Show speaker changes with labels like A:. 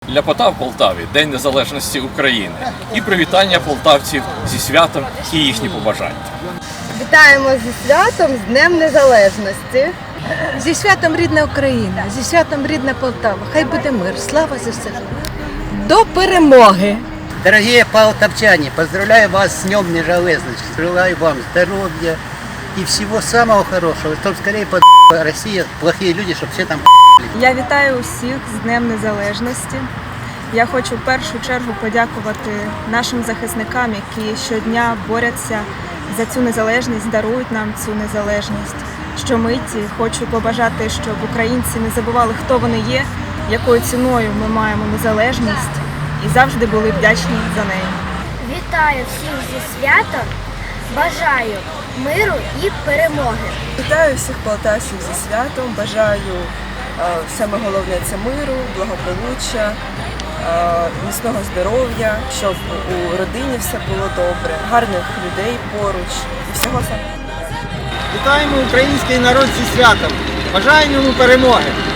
A: Ляпота в Полтаві, День Незалежності України. І привітання полтавців зі святом і їхні побажання.
B: Вітаємо зі святом, з Днем Незалежності.
C: Зі святом рідна Україна, зі святом рідна Полтава. Хай буде мир, слава ЗСУ. До перемоги!
D: Дорогие полтавчане, поздравляю вас с Днем Незалежности. Желаю вам здоровья и всего самого хорошего. Чтобы скорее Россия, плохие люди, чтобы все там.
E: Я вітаю усіх з Днем Незалежності. Я хочу в першу чергу подякувати нашим захисникам, які щодня борються за цю незалежність, дарують нам цю незалежність. Щомиті хочу побажати, щоб українці не забували, хто вони є, якою ціною ми маємо незалежність і завжди були вдячні за неї.
F: Вітаю всіх зі святом, бажаю миру і перемоги.
G: Вітаю всіх полтавців зі святом, бажаю саме головне це миру, благополуччя, міцного здоров'я, щоб у родині все було добре, гарних людей поруч і всього самого.
H: Вітаємо український народ зі святом! Бажаємо йому перемоги!